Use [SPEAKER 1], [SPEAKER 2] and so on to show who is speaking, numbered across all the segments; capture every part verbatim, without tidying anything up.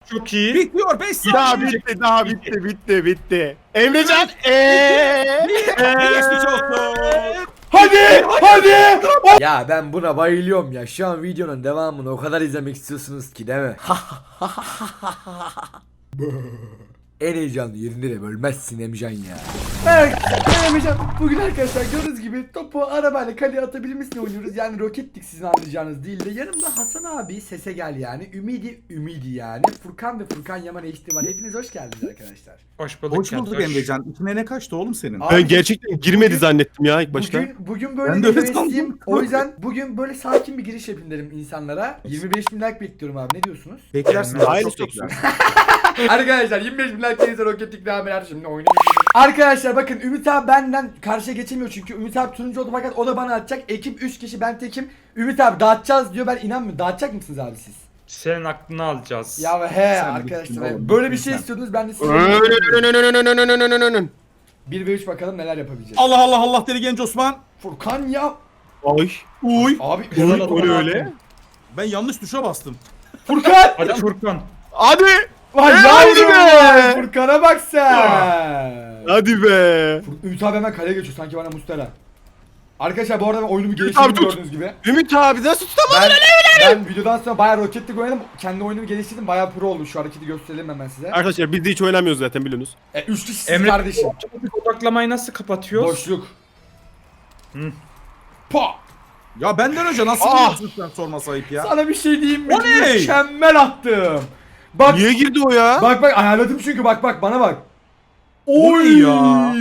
[SPEAKER 1] Çok iyi.
[SPEAKER 2] Bitiyor beş saniye.
[SPEAKER 3] Daha bitti, daha bitti, bitti, bitti. Emrecan, eee,
[SPEAKER 2] Geçmiş olsun.
[SPEAKER 4] Hadi hadi. Ya ben buna bayılıyorum ya. Şu an videonun devamını o kadar izlemek istiyorsunuz ki değil mi? En heyecanlı yerinde de bölmezsin Emcan ya. Evet, Emcan bugün arkadaşlar gördüğünüz gibi topu arabayla kaleye atabilmesine oynuyoruz. Yani rokettik sizin anlayacağınız değil de. Yanımda Hasan abi sese gel yani. Ümidi Ümidi yani. Furkan ve Furkan Yaman eşliği var. Hepiniz hoş geldiniz arkadaşlar.
[SPEAKER 1] Hoş bulduk.
[SPEAKER 2] Hoş bulduk Emrecan. İçine ne kaçtı oğlum senin?
[SPEAKER 4] Abi,
[SPEAKER 3] ben gerçekten girmedi zannettim ya ilk başta.
[SPEAKER 4] Bugün, bugün böyle
[SPEAKER 2] Ben de
[SPEAKER 4] bir
[SPEAKER 2] öyle
[SPEAKER 4] hevesliyim.
[SPEAKER 2] sandım.
[SPEAKER 4] O yüzden bugün böyle sakin bir giriş yapayım dedim insanlara. yirmi beş bin like bekliyorum abi. Ne diyorsunuz?
[SPEAKER 2] Beklersin.
[SPEAKER 3] Hayırlısı
[SPEAKER 2] çok
[SPEAKER 3] olsun.
[SPEAKER 2] bekler.
[SPEAKER 4] Arkadaşlar yirmi beş bin like gelirse roketlik devam eder şimdi oynayalım. Arkadaşlar bakın Ümit abi benden karşıya geçemiyor çünkü Ümit abi turuncu oldu fakat o da bana atacak. Ekip üç kişi ben tekim. Ümit abi dağıtacağız diyor, ben inanmıyorum. Dağıtacak mısınız abi siz?
[SPEAKER 1] Senin aklını alacağız.
[SPEAKER 4] Ya he
[SPEAKER 2] Sen
[SPEAKER 4] arkadaşlar
[SPEAKER 2] bittin oğlum,
[SPEAKER 4] böyle bir
[SPEAKER 2] bittin
[SPEAKER 4] şey
[SPEAKER 2] sen.
[SPEAKER 4] istiyordunuz, ben de size bir ve üç bakalım neler yapabileceğiz.
[SPEAKER 2] Allah Allah Allah deli genç Osman.
[SPEAKER 4] Furkan ya.
[SPEAKER 3] Ay.
[SPEAKER 2] Uy.
[SPEAKER 4] Abi
[SPEAKER 3] Öyle
[SPEAKER 1] Helal
[SPEAKER 3] öyle.
[SPEAKER 1] olsun.
[SPEAKER 3] öyle.
[SPEAKER 2] Ben yanlış tuşa bastım.
[SPEAKER 4] Furkan.
[SPEAKER 1] Hadi Furkan.
[SPEAKER 3] Hadi.
[SPEAKER 4] Vay
[SPEAKER 3] Hadi
[SPEAKER 4] yavrum
[SPEAKER 3] be.
[SPEAKER 4] ya. Furkan'a bak sen.
[SPEAKER 3] Hadi be.
[SPEAKER 4] Ümit abi hemen kaleye geçiyor sanki bana Mustara. Arkadaşlar bu arada ben oyunumu
[SPEAKER 3] abi
[SPEAKER 4] geliştirdim
[SPEAKER 3] tut.
[SPEAKER 4] gördüğünüz gibi.
[SPEAKER 3] Ümit abi nasıl tutamadın?
[SPEAKER 4] Ben, ben videodan sonra bayağı roketlik oynadım. Kendi oyunumu geliştirdim. Bayağı pro oldum. Şu hareketi gösterelim hemen size.
[SPEAKER 3] Arkadaşlar biz de hiç oynamıyoruz zaten biliyorsunuz.
[SPEAKER 4] E, üç kişisiniz
[SPEAKER 1] Emre
[SPEAKER 4] kardeşim.
[SPEAKER 1] odaklamayı nasıl kapatıyoruz?
[SPEAKER 4] Boşluk.
[SPEAKER 1] Hı.
[SPEAKER 4] Pa!
[SPEAKER 2] Ya benden önce nasıl
[SPEAKER 3] Ah.
[SPEAKER 2] biliyorsun sen sorma sayıp ya.
[SPEAKER 4] Sana bir şey diyeyim mi?
[SPEAKER 2] O ne?
[SPEAKER 4] Mükemmel attım. Bak
[SPEAKER 3] Niye girdi o ya?
[SPEAKER 4] bak bak ayarladım çünkü bak bak bana bak.
[SPEAKER 2] O ne ya?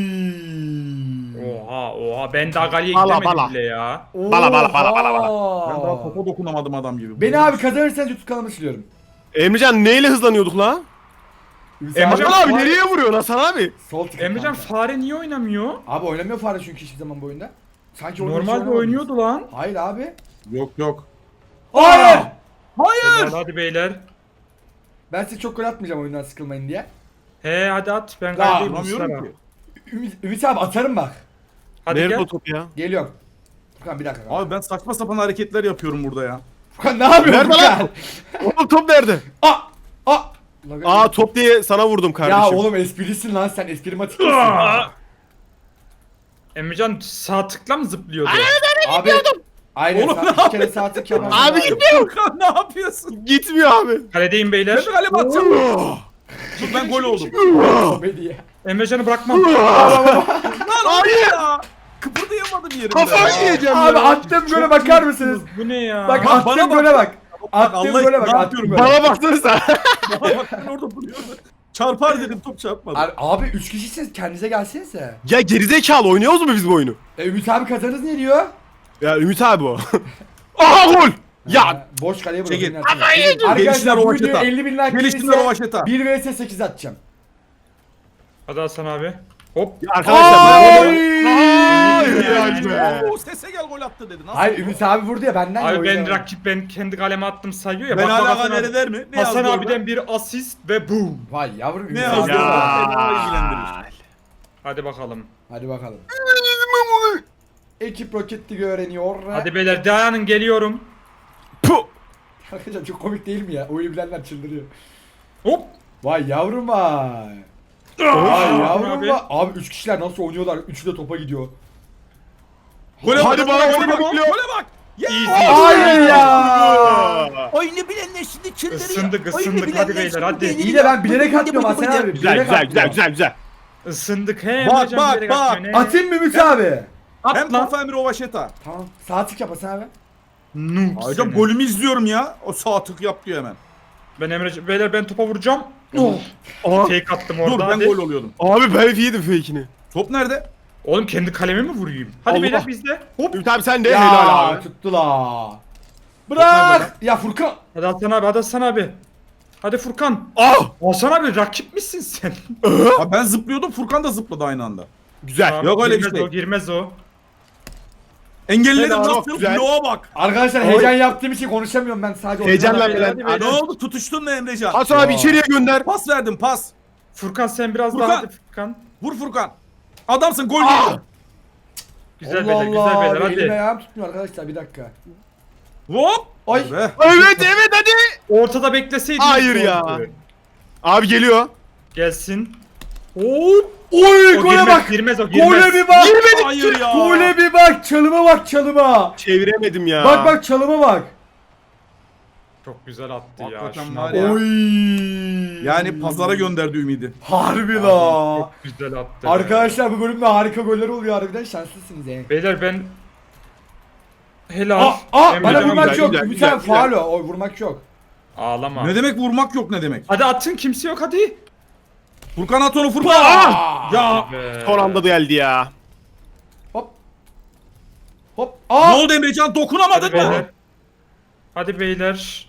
[SPEAKER 1] Oha oha ben daha galeye
[SPEAKER 3] Bala,
[SPEAKER 1] gidemedim
[SPEAKER 3] bala.
[SPEAKER 1] bile ya.
[SPEAKER 3] Bala, bala, bala, bala,
[SPEAKER 4] Oha.
[SPEAKER 2] Ben daha topa dokunamadım adam gibi.
[SPEAKER 4] Beni abi kazanırsanız YouTube kanalıma siliyorum.
[SPEAKER 3] Emrecan neyle hızlanıyorduk la?
[SPEAKER 4] Emrecan
[SPEAKER 1] Emrecan
[SPEAKER 3] Hasan abi
[SPEAKER 1] fare-
[SPEAKER 3] nereye vuruyorsun Hasan abi?
[SPEAKER 4] Sol tık.
[SPEAKER 1] Emrecan fare niye oynamıyor?
[SPEAKER 4] Abi oynamıyor fare çünkü hiçbir zaman bu oyunda. Sanki oyunda hiç
[SPEAKER 1] Normalde
[SPEAKER 4] oynamadınız.
[SPEAKER 1] oynuyordu lan.
[SPEAKER 4] Hayır abi.
[SPEAKER 2] Yok yok.
[SPEAKER 4] Hayır.
[SPEAKER 2] Hayır.
[SPEAKER 1] Hadi, hadi beyler.
[SPEAKER 4] Ben size çok gol atmayacağım oyundan sıkılmayın diye.
[SPEAKER 1] He hadi at ben
[SPEAKER 4] Ya,
[SPEAKER 1] galedeyim
[SPEAKER 2] Vuramıyorum
[SPEAKER 1] Mustafa.
[SPEAKER 2] ki.
[SPEAKER 4] Ümit, Ümit abi atarım bak.
[SPEAKER 1] Hadi
[SPEAKER 3] Nerede
[SPEAKER 1] gel.
[SPEAKER 3] o top ya?
[SPEAKER 4] Geliyorum. Furkan bir dakika.
[SPEAKER 2] Abi ben saçma sapan hareketler yapıyorum burada ya.
[SPEAKER 4] Furkan ne yapıyorsun
[SPEAKER 3] Nerede
[SPEAKER 4] Furkan?
[SPEAKER 3] lan? Oğlum top nerede?
[SPEAKER 4] Aa! Aa!
[SPEAKER 3] Aa top diye sana vurdum
[SPEAKER 4] Ya
[SPEAKER 3] kardeşim.
[SPEAKER 4] oğlum esprilisin lan sen, esprimatik misin?
[SPEAKER 1] Aa! Emrecan sağ tıkla mı zıplıyordu?
[SPEAKER 4] Abi aynen
[SPEAKER 2] Oğlum,
[SPEAKER 4] sen
[SPEAKER 2] ne
[SPEAKER 4] iki kere sağ tık yaparsın.
[SPEAKER 3] Abi
[SPEAKER 2] Furkan ne yapıyorsun?
[SPEAKER 3] Gitmiyor abi.
[SPEAKER 1] Kaledeyim beyler.
[SPEAKER 2] Ben de galiba atacağım. Dur ben gol oldum.
[SPEAKER 4] Komedi ya.
[SPEAKER 1] Emrecan'ı bırakmam.
[SPEAKER 2] Lan hayır ya. Kıpırdayamadım yerimde.
[SPEAKER 3] Kafayı yiyeceğim
[SPEAKER 4] Abi
[SPEAKER 3] ya.
[SPEAKER 4] attığım göle bakar mısınız?
[SPEAKER 1] Bu ne ya?
[SPEAKER 4] Bak
[SPEAKER 2] Bak, bana
[SPEAKER 4] attığım
[SPEAKER 2] bak.
[SPEAKER 4] göle bak.
[SPEAKER 2] Bak,
[SPEAKER 4] Attığım
[SPEAKER 2] Allah
[SPEAKER 4] göle bak,
[SPEAKER 2] ne
[SPEAKER 4] attığım
[SPEAKER 2] yapıyorum
[SPEAKER 4] göle.
[SPEAKER 3] Bana baksanıza.
[SPEAKER 2] Bak ben orada duruyorum. Çarpar dedim top çarpmadı.
[SPEAKER 4] Abi, abi üç kişisiniz, kendinize gelsenize.
[SPEAKER 3] Ya gerizekalı oynuyoruz mu biz bu oyunu?
[SPEAKER 4] E Ümit abi kazanırız ne diyor?
[SPEAKER 3] Ya Ümit abi o. Aha gol. Ya
[SPEAKER 4] Ha, boş kaleye
[SPEAKER 2] Çekil.
[SPEAKER 4] bırakın.
[SPEAKER 2] Geliştiler
[SPEAKER 4] Arkadaşlar bu
[SPEAKER 2] Rovaşeta.
[SPEAKER 4] videoya elli bin like
[SPEAKER 2] Geliştiler
[SPEAKER 4] gelirse
[SPEAKER 2] Rovaşeta.
[SPEAKER 4] bir vs sekiz atacağım.
[SPEAKER 1] Hadi Hasan abi. Hop.
[SPEAKER 3] Ya arkadaşlar ben
[SPEAKER 4] Ay!
[SPEAKER 3] Hayır be.
[SPEAKER 2] Oo, sese gel gol attı dedi. Nasıl?
[SPEAKER 4] Hayır Ümit abi vurdu ya benden
[SPEAKER 1] Abi
[SPEAKER 4] ya, o
[SPEAKER 1] ben
[SPEAKER 4] yüzden.
[SPEAKER 1] rakip ben kendi kaleme attım sayıyor ya.
[SPEAKER 2] Ben
[SPEAKER 1] Bak, bak,
[SPEAKER 2] hala
[SPEAKER 1] Hasan abi-
[SPEAKER 2] nerede der mi? Ne
[SPEAKER 1] Hasan
[SPEAKER 2] yazdı
[SPEAKER 1] abiden
[SPEAKER 2] orada?
[SPEAKER 1] bir asist ve boom.
[SPEAKER 4] Vay yavrum Ümit
[SPEAKER 2] Ne
[SPEAKER 4] abi.
[SPEAKER 2] yazdı?
[SPEAKER 4] Ya.
[SPEAKER 2] Beni ilgilendirir.
[SPEAKER 1] Hadi bakalım.
[SPEAKER 4] Hadi bakalım. Ekip roketlik öğreniyor.
[SPEAKER 1] Hadi beyler dayanın geliyorum.
[SPEAKER 3] Puh.
[SPEAKER 4] Arkadaşlar çok komik değil mi ya? Oyunu bilenler çıldırıyor.
[SPEAKER 1] Hop.
[SPEAKER 4] Vay yavrum vay. Vay
[SPEAKER 1] Abi.
[SPEAKER 4] yavrum vay. Abi üç kişiler nasıl oynuyorlar? Üçü de topa gidiyor.
[SPEAKER 2] Gole
[SPEAKER 3] Hadi
[SPEAKER 2] bak,
[SPEAKER 3] bana
[SPEAKER 2] gole
[SPEAKER 3] gol
[SPEAKER 2] bak,
[SPEAKER 3] bekliyor.
[SPEAKER 2] gole bak.
[SPEAKER 1] Easy.
[SPEAKER 4] Hayır ya.
[SPEAKER 2] Oyunu bilenler şimdi çıldırıyor.
[SPEAKER 1] Isındık,
[SPEAKER 2] Oyunu
[SPEAKER 1] ısındık.
[SPEAKER 2] bilenler
[SPEAKER 1] Hadi beyler,
[SPEAKER 2] şimdi
[SPEAKER 1] hadi.
[SPEAKER 2] beğeniliyor.
[SPEAKER 4] İyi de ben bilerek
[SPEAKER 2] Bıdı bıdı
[SPEAKER 4] atmıyorum
[SPEAKER 2] bıdı
[SPEAKER 4] Hasan
[SPEAKER 2] bıdı.
[SPEAKER 4] abi.
[SPEAKER 3] Güzel
[SPEAKER 4] Bilerek
[SPEAKER 3] güzel güzel
[SPEAKER 4] atmıyorum.
[SPEAKER 3] güzel güzel.
[SPEAKER 1] Isındık he
[SPEAKER 2] Bak,
[SPEAKER 1] Emrecan
[SPEAKER 2] bak,
[SPEAKER 1] bilerek
[SPEAKER 2] bak.
[SPEAKER 1] atmıyor, ne?
[SPEAKER 4] Atayım mı Ümit abi?
[SPEAKER 1] At
[SPEAKER 2] Hem
[SPEAKER 1] lan.
[SPEAKER 2] kafa hem rovaşeta.
[SPEAKER 4] Tamam. Sağ tık yap Hasan abi.
[SPEAKER 1] Noob
[SPEAKER 2] Ayrıca
[SPEAKER 1] seni.
[SPEAKER 2] golümü izliyorum ya. O sağ tık yap diyor hemen.
[SPEAKER 1] Ben Emrecan beyler ben topa vuracağım.
[SPEAKER 3] Aha.
[SPEAKER 1] Fake attım orada.
[SPEAKER 2] Dur ben
[SPEAKER 1] hadi.
[SPEAKER 2] gol oluyordum.
[SPEAKER 3] Abi ben yedim fake'ini.
[SPEAKER 2] Top nerede?
[SPEAKER 1] Oğlum kendi kalemi mi vurayım? Hadi
[SPEAKER 3] Allah.
[SPEAKER 1] beyler bizde. Hop.
[SPEAKER 3] Ümit abi sen de
[SPEAKER 4] Ya
[SPEAKER 3] helal abi.
[SPEAKER 4] tuttu la.
[SPEAKER 2] nerede
[SPEAKER 4] Bırak. Ya Furkan.
[SPEAKER 1] Hadi Hasan abi hadi Hasan abi. Hadi Furkan.
[SPEAKER 3] Ah.
[SPEAKER 1] Hasan abi rakip misin sen?
[SPEAKER 2] Ha, ben zıplıyordum Furkan da zıpladı aynı anda.
[SPEAKER 3] Güzel.
[SPEAKER 1] Tamam,
[SPEAKER 2] Yok öyle bir
[SPEAKER 1] girmez
[SPEAKER 2] şey.
[SPEAKER 1] o girmez o.
[SPEAKER 2] Engelledim
[SPEAKER 3] Helal,
[SPEAKER 2] nasıl?
[SPEAKER 3] güzel.
[SPEAKER 2] Bloğa bak.
[SPEAKER 4] Arkadaşlar heyecan yaptığım için konuşamıyorum ben sadece.
[SPEAKER 3] Heyecanla
[SPEAKER 4] oynuyorum.
[SPEAKER 1] Hadi
[SPEAKER 3] bilen.
[SPEAKER 1] beyler.
[SPEAKER 2] Ne oldu? Tutuştun mu Emrecan?
[SPEAKER 3] Hasan abi
[SPEAKER 4] Ya.
[SPEAKER 3] içeriye gönder.
[SPEAKER 2] Pas verdim pas.
[SPEAKER 1] Furkan sen biraz
[SPEAKER 2] Furkan.
[SPEAKER 1] daha hadi Furkan.
[SPEAKER 2] Vur Furkan. Adamsın gol
[SPEAKER 3] Ah.
[SPEAKER 2] yedin.
[SPEAKER 1] Güzel
[SPEAKER 4] Allah
[SPEAKER 1] beyler güzel
[SPEAKER 4] Allah.
[SPEAKER 1] beyler
[SPEAKER 4] Elim
[SPEAKER 1] hadi.
[SPEAKER 4] ayağım tutmuyor arkadaşlar bir dakika.
[SPEAKER 2] Hop.
[SPEAKER 4] Ay.
[SPEAKER 2] Be.
[SPEAKER 3] Evet evet hadi.
[SPEAKER 1] Ortada bekleseydin.
[SPEAKER 3] Hayır ya. Abi geliyor.
[SPEAKER 1] Gelsin. Hop.
[SPEAKER 4] Oy
[SPEAKER 1] O
[SPEAKER 4] gole
[SPEAKER 1] girmez,
[SPEAKER 4] bak.
[SPEAKER 1] girmez o girmez.
[SPEAKER 4] Gole bir bak.
[SPEAKER 2] Hayır ya.
[SPEAKER 4] Gole bir bak. Çalıma bak çalıma.
[SPEAKER 3] Çeviremedim ya.
[SPEAKER 4] Bak bak çalıma bak.
[SPEAKER 1] Çok güzel attı
[SPEAKER 2] Hakikaten
[SPEAKER 1] ya. Şuna
[SPEAKER 2] var
[SPEAKER 1] bak.
[SPEAKER 2] ya.
[SPEAKER 4] Oy.
[SPEAKER 2] Yani pazara gönderdi ümidi.
[SPEAKER 4] Harbi la.
[SPEAKER 1] Çok güzel attı.
[SPEAKER 4] Arkadaşlar bu bölümde harika goller oluyor harbiden şanslısınız yani.
[SPEAKER 1] Beyler ben helal.
[SPEAKER 4] Aa, aa
[SPEAKER 1] Emrecan
[SPEAKER 4] bana
[SPEAKER 1] abi,
[SPEAKER 4] vurmak
[SPEAKER 3] güzel,
[SPEAKER 4] yok.
[SPEAKER 3] güzel,
[SPEAKER 4] Bir
[SPEAKER 3] güzel,
[SPEAKER 4] tane
[SPEAKER 3] güzel.
[SPEAKER 4] faul o. O vurmak yok.
[SPEAKER 1] Ağlama.
[SPEAKER 2] Ne demek vurmak yok ne demek?
[SPEAKER 1] Hadi atın kimse yok hadi.
[SPEAKER 2] Furkan at onu Furkan.
[SPEAKER 4] Aa!
[SPEAKER 2] Ya.
[SPEAKER 1] Be.
[SPEAKER 3] Son anda da geldi ya.
[SPEAKER 4] Hop. Hop.
[SPEAKER 2] Ne
[SPEAKER 4] Aa!
[SPEAKER 2] oldu Emrecan dokunamadın
[SPEAKER 1] Hadi
[SPEAKER 2] mı?
[SPEAKER 1] beyler. Hadi beyler.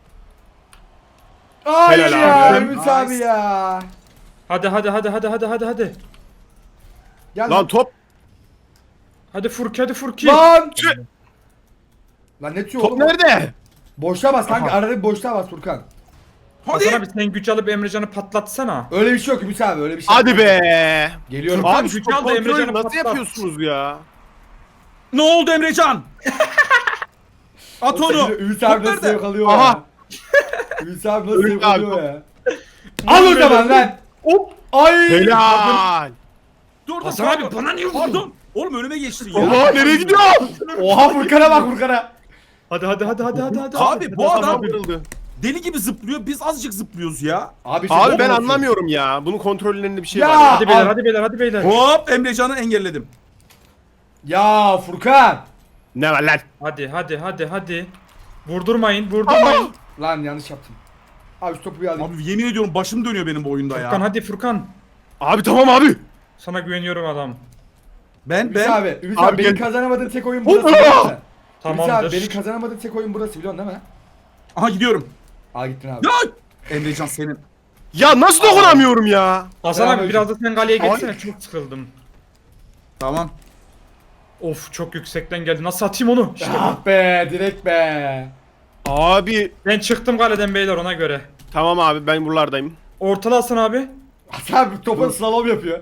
[SPEAKER 4] Hayır
[SPEAKER 3] Helal
[SPEAKER 4] ya
[SPEAKER 3] abi.
[SPEAKER 4] Ümit
[SPEAKER 2] Nice.
[SPEAKER 4] abi ya.
[SPEAKER 1] Hadi hadi hadi hadi hadi hadi hadi.
[SPEAKER 4] Gel
[SPEAKER 3] Lan top.
[SPEAKER 1] Hadi Furki hadi Furki.
[SPEAKER 4] Lan.
[SPEAKER 3] Tüh.
[SPEAKER 4] Lan ne tüyo
[SPEAKER 3] Top
[SPEAKER 4] oğlum?
[SPEAKER 3] nerede?
[SPEAKER 4] Boşluğa bas kanka
[SPEAKER 2] Aha.
[SPEAKER 4] arada bir boşluğa bas Furkan.
[SPEAKER 2] Hadi.
[SPEAKER 1] Hasan abi sen güç alıp Emrecan'ı patlatsana.
[SPEAKER 4] Öyle bir şey yok Ümit abi öyle bir şey
[SPEAKER 3] Hadi
[SPEAKER 4] yok.
[SPEAKER 3] be.
[SPEAKER 4] Geliyorum.
[SPEAKER 1] Furkan,
[SPEAKER 3] Abi şu
[SPEAKER 1] gücü al da
[SPEAKER 3] top kontrolü
[SPEAKER 1] Emrecan'ı
[SPEAKER 3] nasıl
[SPEAKER 1] patlat.
[SPEAKER 3] yapıyorsunuz ya?
[SPEAKER 2] Ne oldu Emrecan? At onu.
[SPEAKER 4] Ümit abi
[SPEAKER 2] Top
[SPEAKER 4] nasıl
[SPEAKER 2] nerede?
[SPEAKER 4] zevk alıyor
[SPEAKER 3] Aha.
[SPEAKER 4] ya. Ümit abi nasıl
[SPEAKER 3] Ümit
[SPEAKER 4] zevk
[SPEAKER 3] abi,
[SPEAKER 4] alıyor ya. Al o zaman lan.
[SPEAKER 1] Hop.
[SPEAKER 4] Ay.
[SPEAKER 3] Helal.
[SPEAKER 2] Dur dur.
[SPEAKER 1] Hasan
[SPEAKER 2] pardon.
[SPEAKER 1] abi bana niye vurdun?
[SPEAKER 2] Pardon. Oğlum önüme geçtin ya.
[SPEAKER 3] Oha nereye gidiyor?
[SPEAKER 4] Oha Furkan'a bak Furkan'a.
[SPEAKER 1] Hadi hadi hadi hadi hadi hadi.
[SPEAKER 2] Abi bu
[SPEAKER 3] Adam
[SPEAKER 2] adam
[SPEAKER 3] kırıldı.
[SPEAKER 2] deli gibi zıplıyor. Biz azıcık zıplıyoruz ya.
[SPEAKER 4] Abi, işte
[SPEAKER 3] Abi
[SPEAKER 4] bu
[SPEAKER 3] ben
[SPEAKER 4] olsun.
[SPEAKER 3] anlamıyorum ya. Bunun kontrollerinde bir şey
[SPEAKER 4] Ya.
[SPEAKER 3] var ya.
[SPEAKER 1] Hadi beyler
[SPEAKER 4] Al.
[SPEAKER 1] hadi beyler hadi beyler.
[SPEAKER 2] Hop Emrecan'ı engelledim.
[SPEAKER 4] Ya Furkan.
[SPEAKER 3] Ne var lan?
[SPEAKER 1] Hadi hadi hadi hadi. Vurdurmayın vurdurmayın.
[SPEAKER 4] Lan yanlış yaptım. Abi şu topu bir alayım.
[SPEAKER 2] Abi yemin ediyorum başım dönüyor benim bu oyunda
[SPEAKER 1] Furkan
[SPEAKER 2] ya.
[SPEAKER 1] hadi Furkan.
[SPEAKER 3] Abi tamam abi.
[SPEAKER 1] Sana güveniyorum adam.
[SPEAKER 2] Ben
[SPEAKER 4] Ümit
[SPEAKER 2] ben
[SPEAKER 4] abi, Ümit
[SPEAKER 3] Abi
[SPEAKER 4] abi, benim
[SPEAKER 3] gel-
[SPEAKER 4] kazanamadığım tek oyun burası.
[SPEAKER 3] Hop!
[SPEAKER 4] biliyor musun? Ümit
[SPEAKER 1] Tamamdır.
[SPEAKER 4] abi benim kazanamadığım tek oyun burası biliyorsun değil mi?
[SPEAKER 2] aha gidiyorum.
[SPEAKER 4] Aa gittin abi.
[SPEAKER 2] Ya Emrecan senin.
[SPEAKER 3] Ya nasıl dokunamıyorum ya?
[SPEAKER 1] Hasan abi biraz da sen kaleye
[SPEAKER 3] Ay.
[SPEAKER 1] geçsene çok sıkıldım.
[SPEAKER 2] Tamam.
[SPEAKER 1] Of çok yüksekten geldi. Nasıl atayım onu? İşte bu.
[SPEAKER 4] Ah be direkt be.
[SPEAKER 3] Abi
[SPEAKER 1] Ben çıktım kaleden beyler ona göre.
[SPEAKER 3] tamam abi ben buralardayım.
[SPEAKER 1] Ortala Hasan abi.
[SPEAKER 4] Hasan abi topa slalom yapıyor.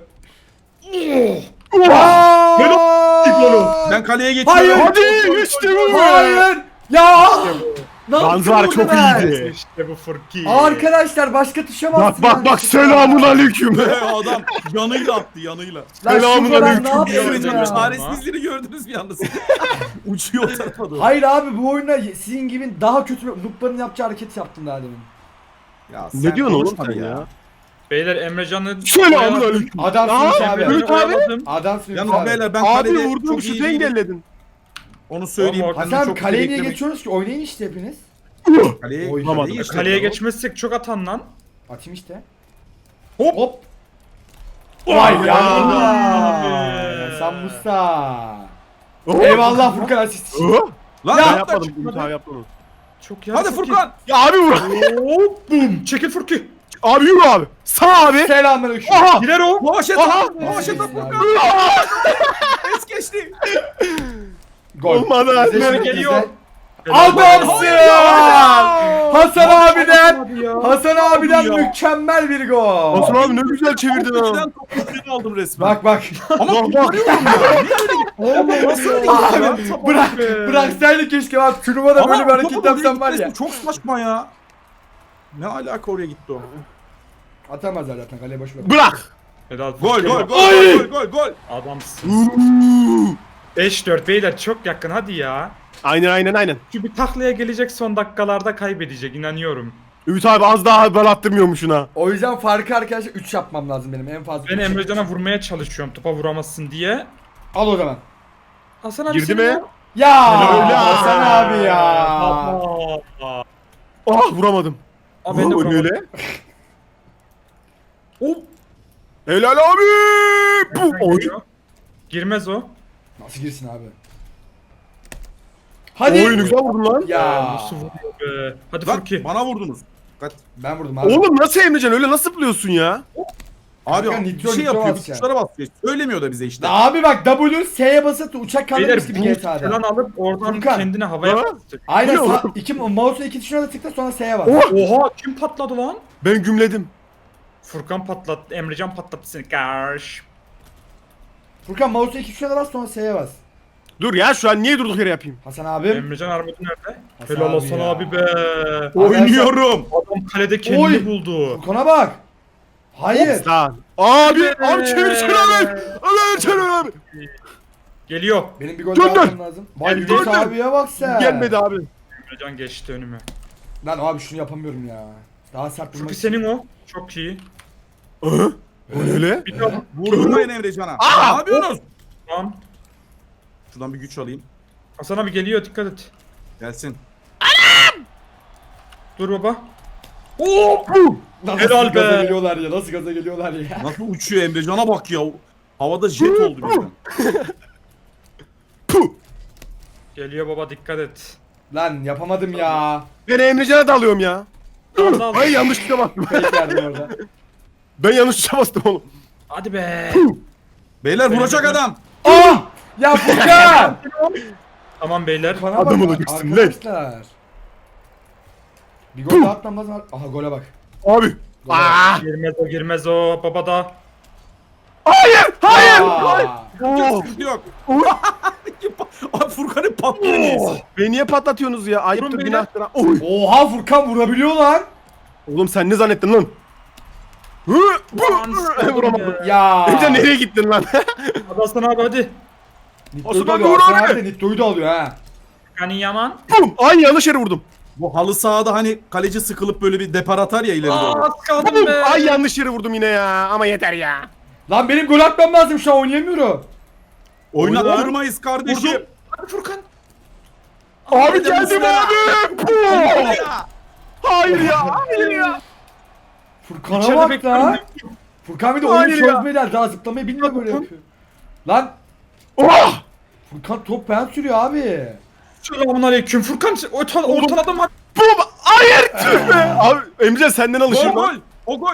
[SPEAKER 2] Ben kaleye
[SPEAKER 4] Hayır.
[SPEAKER 2] geçiyorum.
[SPEAKER 3] Hadi işte bu.
[SPEAKER 4] Hayır. Ya. Ne
[SPEAKER 3] Yalnız
[SPEAKER 4] yaptın
[SPEAKER 3] var,
[SPEAKER 4] orada
[SPEAKER 3] çok
[SPEAKER 4] ben?
[SPEAKER 3] iyiydi.
[SPEAKER 1] İşte bu Furki.
[SPEAKER 4] Arkadaşlar başka tuşa bastım.
[SPEAKER 3] Bak bak bak selamun aleyküm.
[SPEAKER 2] Be, adam yanıyla attı yanıyla.
[SPEAKER 4] Lan şu
[SPEAKER 3] Selamun
[SPEAKER 4] falan
[SPEAKER 3] aleyküm.
[SPEAKER 4] ne yapıyorsun
[SPEAKER 2] Emrecan'ın
[SPEAKER 4] ya?
[SPEAKER 2] çaresizliğini gördünüz bir yalnız. Uçuyor o tarafa doğru.
[SPEAKER 4] Hayır abi bu oyunda sizin gibi daha kötü noob'ların yapacağı hareket yaptım daha demin.
[SPEAKER 2] Ya
[SPEAKER 3] Ne
[SPEAKER 2] sen
[SPEAKER 3] diyorsun oğlum
[SPEAKER 2] konuşma
[SPEAKER 3] sen
[SPEAKER 2] bir
[SPEAKER 3] ya?
[SPEAKER 1] Beyler Emrecan'ı
[SPEAKER 3] Selamun aleyküm.
[SPEAKER 4] Adamsınız
[SPEAKER 3] Aa,
[SPEAKER 4] abi.
[SPEAKER 3] Ümit abi.
[SPEAKER 4] Adamsınız
[SPEAKER 2] Yalnız
[SPEAKER 4] abi.
[SPEAKER 2] beyler ben
[SPEAKER 3] Abi
[SPEAKER 2] kalede
[SPEAKER 3] vurdum
[SPEAKER 2] çok iyi
[SPEAKER 3] şutu
[SPEAKER 2] değilim.
[SPEAKER 3] engelledin.
[SPEAKER 2] Onu söyleyeyim.
[SPEAKER 1] Ama
[SPEAKER 2] Kendimi
[SPEAKER 4] Hasan
[SPEAKER 2] çok
[SPEAKER 4] kaleye niye
[SPEAKER 2] beklemek-
[SPEAKER 4] geçiyoruz ki? Oynayın işte hepiniz.
[SPEAKER 2] Kaleye,
[SPEAKER 4] Oy,
[SPEAKER 2] kaleye
[SPEAKER 3] tamam.
[SPEAKER 2] geçtim.
[SPEAKER 1] Kaleye geçmezsek çok atan lan.
[SPEAKER 4] Atayım işte.
[SPEAKER 2] Hop.
[SPEAKER 4] Hop.
[SPEAKER 1] Vay
[SPEAKER 4] Vay
[SPEAKER 1] ya.
[SPEAKER 4] ya. Sen Musta. Eyvallah Furkan asist için.
[SPEAKER 3] Oh.
[SPEAKER 2] Lan
[SPEAKER 3] Ben
[SPEAKER 2] yapma.
[SPEAKER 3] yapmadım. Ümit abi yaptı onu.
[SPEAKER 1] Çok ya.
[SPEAKER 2] Hadi Furkan.
[SPEAKER 3] Ya abi vur.
[SPEAKER 1] Hop bum. Çekil Furki.
[SPEAKER 3] Abi yürü abi. Sağ abi.
[SPEAKER 4] Selamünaleyküm.
[SPEAKER 3] Aha.
[SPEAKER 1] Girer o.
[SPEAKER 2] Boğaç et.
[SPEAKER 3] Aha.
[SPEAKER 2] Boğaç et
[SPEAKER 4] Neyse,
[SPEAKER 2] Furkan.
[SPEAKER 4] abi.
[SPEAKER 2] Es geçti.
[SPEAKER 4] Gol.
[SPEAKER 3] Olmadı.
[SPEAKER 4] Bize
[SPEAKER 1] Geliyor.
[SPEAKER 4] şimdi
[SPEAKER 1] Geliyor.
[SPEAKER 4] bize- Adamsın! Hasan abiden
[SPEAKER 1] Hadi ya.
[SPEAKER 4] Hasan abiden
[SPEAKER 2] ya.
[SPEAKER 4] mükemmel bir gol.
[SPEAKER 3] Hasan abi ne güzel çevirdin ha.
[SPEAKER 2] Birden topu üstüne aldım resmen.
[SPEAKER 4] Bak bak.
[SPEAKER 2] Ama
[SPEAKER 3] Bak, bak.
[SPEAKER 2] kurtarıyorum ya. Niye öyle
[SPEAKER 1] Oğlum nasıl
[SPEAKER 4] Abi bırak bıraksaydı keşke bak turnuvada böyle bir hareket
[SPEAKER 2] topu oraya
[SPEAKER 4] yapsam var ya.
[SPEAKER 2] gitmesi çok saçma ya. Ne alaka oraya gitti o?
[SPEAKER 4] Atamazlar zaten kaleye boş ver.
[SPEAKER 3] Bırak.
[SPEAKER 1] Helal
[SPEAKER 2] Gol
[SPEAKER 1] Furki.
[SPEAKER 2] gol gol
[SPEAKER 3] Ay!
[SPEAKER 2] gol gol gol.
[SPEAKER 1] Adamsın. beş dört beyler çok yakın hadi ya.
[SPEAKER 3] Aynen aynen aynen.
[SPEAKER 1] Şu bir taklaya gelecek son dakikalarda kaybedecek inanıyorum.
[SPEAKER 3] Ümit abi az daha ben attırmıyormuşsun ha.
[SPEAKER 4] O yüzden farkı arkadaşlar üç yapmam lazım benim en fazla.
[SPEAKER 1] Ben
[SPEAKER 4] üç.
[SPEAKER 1] Emrecan'a vurmaya çalışıyorum topa vuramazsın diye.
[SPEAKER 4] Al o zaman.
[SPEAKER 1] Hasan abi
[SPEAKER 3] Girdi
[SPEAKER 1] seni
[SPEAKER 3] mi?
[SPEAKER 1] ya.
[SPEAKER 4] Ya
[SPEAKER 3] Öyle.
[SPEAKER 4] Hasan abi ya.
[SPEAKER 1] Yapma.
[SPEAKER 3] Ah vuramadım.
[SPEAKER 1] Aa, ben de
[SPEAKER 3] Oo,
[SPEAKER 1] vuramadım.
[SPEAKER 3] öyle.
[SPEAKER 1] Hop.
[SPEAKER 3] Helal abi. Bu
[SPEAKER 1] Nereden
[SPEAKER 3] oy.
[SPEAKER 1] geliyor? Girmez o.
[SPEAKER 4] Nasıl girsin abi? Hadi.
[SPEAKER 3] Oyunu güzel vurdun lan.
[SPEAKER 4] Ya.
[SPEAKER 1] Nasıl vuruyor be? Hadi
[SPEAKER 2] Lan
[SPEAKER 1] Furki.
[SPEAKER 2] bana vurdunuz. Dikkat.
[SPEAKER 4] Ben vurdum abi.
[SPEAKER 3] Oğlum nasıl Emrecan öyle nasıl zıplıyorsun ya?
[SPEAKER 2] Abi
[SPEAKER 4] Kanka,
[SPEAKER 2] bir
[SPEAKER 4] nitro,
[SPEAKER 2] şey
[SPEAKER 4] nitro
[SPEAKER 2] yapıyor.
[SPEAKER 4] basacak.
[SPEAKER 2] Tuşlara basıyor. Söylemiyor da bize işte.
[SPEAKER 4] Abi bak W S'ye basıp uçak
[SPEAKER 1] Beyler
[SPEAKER 4] kaldırmış gibi
[SPEAKER 1] boost falan
[SPEAKER 4] G T A'da.
[SPEAKER 1] alıp oradan
[SPEAKER 4] Furkan.
[SPEAKER 1] kendine havaya
[SPEAKER 3] Ha?
[SPEAKER 1] basacak.
[SPEAKER 4] Aynen
[SPEAKER 3] Bu ne
[SPEAKER 4] sağ,
[SPEAKER 3] oğlum?
[SPEAKER 4] iki mouse'un iki tuşuna da tıkla sonra S'ye bas.
[SPEAKER 3] Oh!
[SPEAKER 1] Oha kim patladı lan?
[SPEAKER 3] Ben gümledim.
[SPEAKER 1] Furkan patlattı. Emrecan patlattı seni. Karş.
[SPEAKER 4] Furkan mouse'un iki tuşuna da bas sonra S'ye bas.
[SPEAKER 3] Dur ya şu an niye durduk yere yapayım?
[SPEAKER 4] Hasan abim.
[SPEAKER 1] Emrecan armudu nerede?
[SPEAKER 4] Hasan
[SPEAKER 1] Helal
[SPEAKER 4] abi
[SPEAKER 1] olsun
[SPEAKER 4] ya.
[SPEAKER 1] abi be.
[SPEAKER 2] Oynuyorum.
[SPEAKER 1] Adam kalede kendini
[SPEAKER 4] Oy.
[SPEAKER 1] buldu.
[SPEAKER 4] Furkan'a bak. Hayır.
[SPEAKER 3] Lan. Abi abi çevirsene abi. Abi çevir abi.
[SPEAKER 1] Geliyor.
[SPEAKER 4] Benim bir gol
[SPEAKER 3] Gönder.
[SPEAKER 4] daha atmam lazım. Vay
[SPEAKER 1] Geldi.
[SPEAKER 4] Yunus
[SPEAKER 3] Gönder.
[SPEAKER 4] abiye bak sen.
[SPEAKER 3] Gelmedi abi.
[SPEAKER 1] Emrecan geçti önüme.
[SPEAKER 4] Lan abi şunu yapamıyorum ya. Daha sert vurmak
[SPEAKER 1] Çünkü
[SPEAKER 4] için.
[SPEAKER 1] senin o. Çok iyi.
[SPEAKER 3] Hı? O ne öyle?
[SPEAKER 1] Bir daha.
[SPEAKER 2] Vurdurmayın Emrecan'a.
[SPEAKER 3] Aa!
[SPEAKER 2] Ne yapıyorsunuz?
[SPEAKER 1] Tamam.
[SPEAKER 2] Şuradan bir güç alayım.
[SPEAKER 1] Hasan abi geliyor, dikkat et.
[SPEAKER 2] Gelsin.
[SPEAKER 1] Dur baba.
[SPEAKER 4] Nasıl
[SPEAKER 1] Helal
[SPEAKER 4] gaza
[SPEAKER 1] be.
[SPEAKER 4] geliyorlar ya. Nasıl gaza geliyorlar ya.
[SPEAKER 2] Nasıl uçuyor Emrecan'a bak ya. Havada jet oldu birden.
[SPEAKER 3] Puh.
[SPEAKER 1] Geliyor baba, dikkat et.
[SPEAKER 4] Lan yapamadım ya.
[SPEAKER 3] Ben Emrecan'a da alıyorum ya.
[SPEAKER 1] Tamam, tamam.
[SPEAKER 3] Ay yanlış tuşa bastım.
[SPEAKER 4] Fake verdim orada.
[SPEAKER 3] Ben yanlış tuşa bastım oğlum.
[SPEAKER 1] Hadi be.
[SPEAKER 2] Beyler vuracak adam.
[SPEAKER 4] Ah! Ya Furkan!
[SPEAKER 1] Tamam beyler.
[SPEAKER 4] Bana
[SPEAKER 3] Adam
[SPEAKER 4] bak
[SPEAKER 3] olacaksın lan.
[SPEAKER 4] arkadaşlar. Bir gol daha atmam lazım. Aha gole bak.
[SPEAKER 3] Abi. Aa!
[SPEAKER 1] Girmez o, girmez o baba da.
[SPEAKER 3] Hayır! Hayır!
[SPEAKER 4] Aa!
[SPEAKER 3] Oh!
[SPEAKER 2] Sıkıntı yok. Abi Furkan'ın patlıyor neyse.
[SPEAKER 3] Beni niye patlatıyorsunuz ya? Ayıptır
[SPEAKER 1] Vurun
[SPEAKER 3] günahtır. ha. Oy!
[SPEAKER 4] Oha Furkan vurabiliyor lan.
[SPEAKER 3] Oğlum sen ne zannettin lan? Hı! Bu! Vuramadım.
[SPEAKER 4] Ya.
[SPEAKER 3] Emre nereye gittin lan?
[SPEAKER 1] Hadi Hasan abi hadi.
[SPEAKER 4] Nitto'yu da
[SPEAKER 3] Osman
[SPEAKER 4] alıyor.
[SPEAKER 3] Doğru
[SPEAKER 4] Hasan
[SPEAKER 3] abi.
[SPEAKER 4] abi de Nitto'yu da alıyor ha.
[SPEAKER 1] Kani Yaman.
[SPEAKER 3] Bum! Ay yanlış yere vurdum.
[SPEAKER 2] Bu halı sahada hani kaleci sıkılıp böyle bir depar atar ya ileri
[SPEAKER 1] Aa,
[SPEAKER 2] doğru.
[SPEAKER 1] az kaldım
[SPEAKER 3] Bum!
[SPEAKER 1] be.
[SPEAKER 3] Ay yanlış yere vurdum yine ya. Ama yeter ya.
[SPEAKER 4] Lan benim gol atmam lazım şu an oynayamıyorum.
[SPEAKER 2] Oynattırmayız kardeşim.
[SPEAKER 1] Vurdum. Hadi Furkan.
[SPEAKER 3] Abi geldim
[SPEAKER 2] Mustafa.
[SPEAKER 3] abi. Bum! Hayır ya. Hayır ya.
[SPEAKER 4] Furkan'a
[SPEAKER 1] İçeride
[SPEAKER 4] bak
[SPEAKER 1] bekliyorum.
[SPEAKER 4] lan. Furkan bir de oyunu
[SPEAKER 3] Hayır ya.
[SPEAKER 4] çözmeden daha zıplamayı bilmiyor böyle yapıyor. Lan
[SPEAKER 3] Oh!
[SPEAKER 4] Furkan top ben sürüyor abi.
[SPEAKER 1] Selamun aleyküm. Furkan orta, ortaladım hadi.
[SPEAKER 3] Bum! Hayır! Tüh be! Abi Emre senden
[SPEAKER 2] Gol
[SPEAKER 3] alışayım
[SPEAKER 2] gol.
[SPEAKER 3] lan.
[SPEAKER 2] O gol.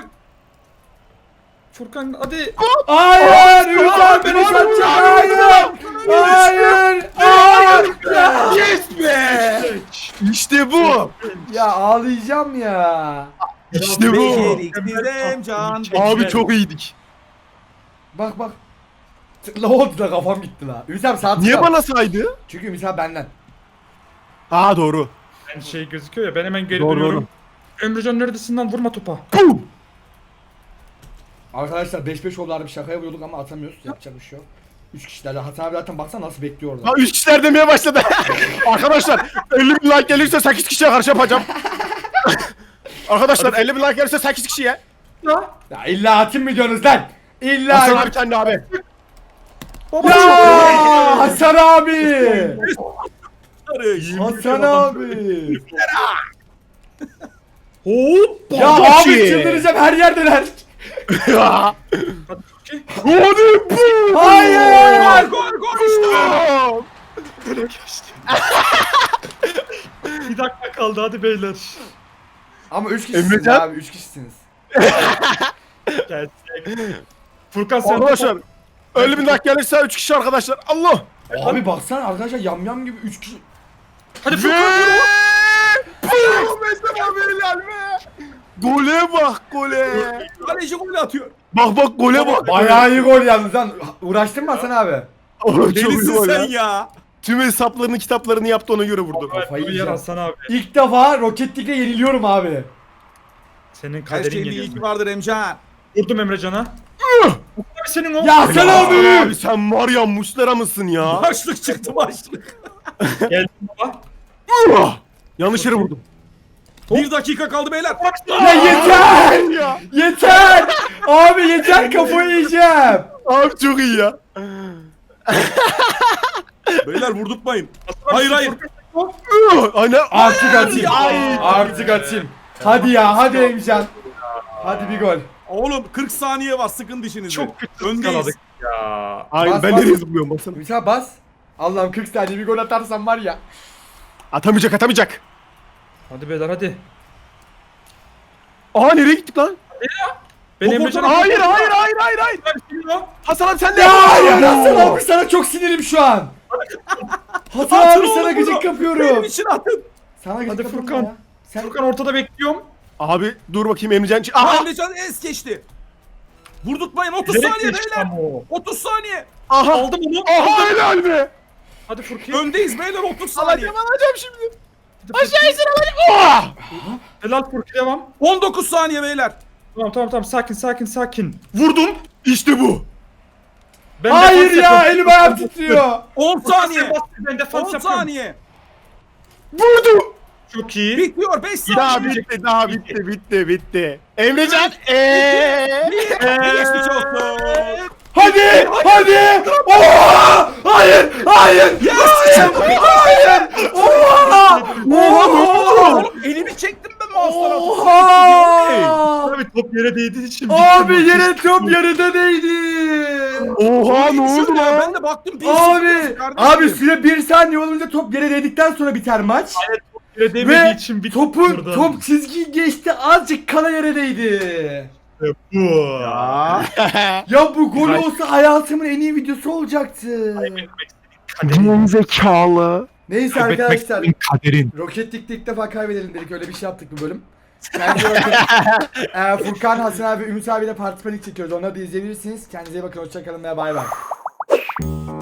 [SPEAKER 1] Furkan hadi.
[SPEAKER 4] Hayır! Ümit beni kaçacak! Hayır! Hayır! Hayır!
[SPEAKER 3] Yes be! İşte bu.
[SPEAKER 4] Ya ağlayacağım ya.
[SPEAKER 3] İşte bu.
[SPEAKER 2] Beceriksiz Emcan.
[SPEAKER 3] Abi çok iyiydik.
[SPEAKER 4] Bak bak. La oldu da kafam gitti la. Ümit abi sağ
[SPEAKER 3] Niye
[SPEAKER 4] tıkla.
[SPEAKER 3] bana saydı?
[SPEAKER 4] Çünkü Ümit abi benden.
[SPEAKER 3] Aa doğru.
[SPEAKER 1] Ben şey gözüküyor ya, ben hemen geri
[SPEAKER 3] Doğru,
[SPEAKER 1] dönüyorum. Emrecan neredesin lan, vurma topa.
[SPEAKER 3] Bum!
[SPEAKER 4] Arkadaşlar beş beş oldu, bir şakaya vuruyorduk ama atamıyoruz. Yapacak bir şey yok. üç kişilerle. Hasan abi zaten baksana nasıl bekliyor orada.
[SPEAKER 3] Ha üç kişiler demeye başladı. Arkadaşlar elli bin like gelirse sekiz kişiye karşı yapacağım. Arkadaşlar elli bin like gelirse sekiz kişiye.
[SPEAKER 1] Ya.
[SPEAKER 4] Ya illa atayım mı diyorsunuz lan? İlla.
[SPEAKER 3] Hasan abi kendi abi.
[SPEAKER 1] Baba.
[SPEAKER 4] Ya Hasan abi. Hasan
[SPEAKER 2] Adam-
[SPEAKER 4] abi.
[SPEAKER 1] Hop.
[SPEAKER 4] Ya abi çıldıracağım, her yerdeler.
[SPEAKER 3] Ya.
[SPEAKER 1] Hadi Furki.
[SPEAKER 3] Hadi bu.
[SPEAKER 4] Hayır.
[SPEAKER 2] Gol gol işte.
[SPEAKER 1] Bir dakika kaldı, hadi beyler.
[SPEAKER 4] Ama üç kişisiniz
[SPEAKER 3] Emrecan?
[SPEAKER 4] abi, üç kişisiniz.
[SPEAKER 1] Gerçek. Furkan sen
[SPEAKER 3] Arkadaşlar elli bin like gelirse üç kişi arkadaşlar. Allah.
[SPEAKER 4] Abi baksana arkadaşlar, yamyam gibi üç kişi.
[SPEAKER 1] Hadi
[SPEAKER 3] Ve
[SPEAKER 1] Furkan yürü.
[SPEAKER 3] bu mesela beyler be. Gole bak gole.
[SPEAKER 2] Kaleci gol atıyor.
[SPEAKER 3] Bak bak gole bak.
[SPEAKER 4] Bayağı iyi gol yalnız lan. Uğraştın mı Hasan abi?
[SPEAKER 3] Oğlum çok iyi
[SPEAKER 2] Delisin
[SPEAKER 3] gol
[SPEAKER 2] sen
[SPEAKER 3] ya.
[SPEAKER 2] ya.
[SPEAKER 3] Tüm hesaplarını kitaplarını yaptı ona göre vurdu.
[SPEAKER 4] Kafayı
[SPEAKER 1] Yer
[SPEAKER 4] yiyeceğim.
[SPEAKER 1] Hasan abi.
[SPEAKER 4] İlk defa Rocket League'le yeniliyorum abi.
[SPEAKER 1] Senin
[SPEAKER 2] Her
[SPEAKER 1] kaderin
[SPEAKER 2] şeyin bir
[SPEAKER 1] geliyor.
[SPEAKER 2] ilki vardır Emcan.
[SPEAKER 1] Vurdum Emrecan'a. Abi senin o.
[SPEAKER 4] Ya Hasan
[SPEAKER 3] Ya
[SPEAKER 4] abi.
[SPEAKER 3] abi sen var ya muşlara mısın ya?
[SPEAKER 2] Başlık çıktı başlık.
[SPEAKER 1] Geldim baba.
[SPEAKER 3] Ah! Yanlış yere vurdum.
[SPEAKER 2] Bir dakika kaldı beyler.
[SPEAKER 4] Ya yeter.
[SPEAKER 3] Ya.
[SPEAKER 4] Yeter. Abi yeter, kafayı yiyeceğim.
[SPEAKER 3] Abi çok iyi ya.
[SPEAKER 2] Beyler vurdurtmayın. Hayır hayır.
[SPEAKER 3] Ah! Aynen.
[SPEAKER 4] Artık atayım.
[SPEAKER 3] Ay.
[SPEAKER 4] Artık atayım. Hadi ya, hadi Emcan. Hadi bir gol.
[SPEAKER 2] Oğlum kırk saniye var, sıkın dişinizi.
[SPEAKER 1] Çok kötü
[SPEAKER 2] Öndeyiz.
[SPEAKER 1] skaladık ya.
[SPEAKER 3] Aynen
[SPEAKER 4] Bas,
[SPEAKER 3] ben
[SPEAKER 4] bas.
[SPEAKER 3] nereye zıplıyorum baksana.
[SPEAKER 4] Ümit abi bas. Allah'ım kırk saniye bir gol atarsam var ya.
[SPEAKER 3] Atamayacak atamayacak.
[SPEAKER 1] Hadi beyler hadi.
[SPEAKER 3] Aa nereye gittik lan?
[SPEAKER 1] Ben
[SPEAKER 2] Top
[SPEAKER 1] Emrecan'a...
[SPEAKER 3] Hayır hayır hayır hayır hayır.
[SPEAKER 1] hayır.
[SPEAKER 3] Hasan abi sen de
[SPEAKER 4] Ya ya Hasan abi, sana çok sinirim şu an. Hasan
[SPEAKER 2] Atın
[SPEAKER 4] abi, sana
[SPEAKER 2] oğlum
[SPEAKER 4] gıcık
[SPEAKER 2] bunu.
[SPEAKER 4] yapıyorum.
[SPEAKER 2] Benim için atın.
[SPEAKER 4] Sana gıcık
[SPEAKER 1] Hadi
[SPEAKER 4] yapıyorum
[SPEAKER 1] Furkan.
[SPEAKER 4] ya. Sen
[SPEAKER 1] Furkan ortada bekliyorum.
[SPEAKER 3] Abi dur bakayım Emrecan.
[SPEAKER 2] Aha.
[SPEAKER 3] Aha.
[SPEAKER 2] Emrecan es geçti. Vurdurtmayın, otuz
[SPEAKER 1] Direkt
[SPEAKER 2] saniye
[SPEAKER 1] geçti
[SPEAKER 2] beyler.
[SPEAKER 1] ama o.
[SPEAKER 2] otuz saniye.
[SPEAKER 3] Aha.
[SPEAKER 1] Aldım onu.
[SPEAKER 3] Aha helal be.
[SPEAKER 1] Hadi Furki.
[SPEAKER 2] Öndeyiz beyler otuz saniye.
[SPEAKER 3] Alacağım alacağım şimdi.
[SPEAKER 1] Aşağı insin alacağım. Helal Furki devam.
[SPEAKER 2] on dokuz saniye beyler.
[SPEAKER 1] Tamam tamam tamam sakin sakin sakin.
[SPEAKER 3] Vurdum. İşte bu.
[SPEAKER 1] Ben
[SPEAKER 4] Hayır
[SPEAKER 1] defans
[SPEAKER 4] ya
[SPEAKER 1] yapıyorum.
[SPEAKER 4] elim ayağım titriyor.
[SPEAKER 2] on saniye.
[SPEAKER 1] Ben defans
[SPEAKER 2] on
[SPEAKER 1] yapıyorum.
[SPEAKER 2] saniye.
[SPEAKER 3] Vurdum.
[SPEAKER 1] Çok iyi.
[SPEAKER 2] Bitiyor beş
[SPEAKER 3] Daha
[SPEAKER 2] saniye.
[SPEAKER 3] bitti daha bitti bitti bitti. Emrecan eee.
[SPEAKER 2] Geçmiş olsun.
[SPEAKER 4] Hadi hadi. Oha! Hayır hayır.
[SPEAKER 2] Yes!
[SPEAKER 4] Hayır. Oha! Oha!
[SPEAKER 2] Oğlum elimi çektim ben mouse'dan.
[SPEAKER 4] Oha!
[SPEAKER 1] Abi top yere değdiği için.
[SPEAKER 4] Abi yere top yarıda değdi.
[SPEAKER 3] Oha ne oldu lan?
[SPEAKER 2] Ben de baktım. bir
[SPEAKER 4] Abi
[SPEAKER 2] sıfır kardeşim.
[SPEAKER 4] abi süre bir saniye olunca top yere değdikten sonra biter maç.
[SPEAKER 1] Yere değmediği
[SPEAKER 4] Ve
[SPEAKER 1] için bitti.
[SPEAKER 4] topun
[SPEAKER 1] buradan.
[SPEAKER 4] top çizgiyi geçti azıcık kala yere değdi.
[SPEAKER 1] Bu.
[SPEAKER 3] Aa.
[SPEAKER 4] Ya bu gol olsa hayatımın en iyi videosu olacaktı.
[SPEAKER 1] Kaderin.
[SPEAKER 3] Zekalı.
[SPEAKER 4] Neyse
[SPEAKER 1] Kaybetmek
[SPEAKER 4] arkadaşlar.
[SPEAKER 1] senin kaderin.
[SPEAKER 4] Rocket League'de ilk defa kaybedelim dedik. Öyle bir şey yaptık bu bölüm. Kendinize bakın. ee, Furkan, Hasan abi, Ümit abiyle Parti Panik çekiyoruz. Onları da izleyebilirsiniz. Kendinize iyi bakın. Hoşçakalın ve bay bay.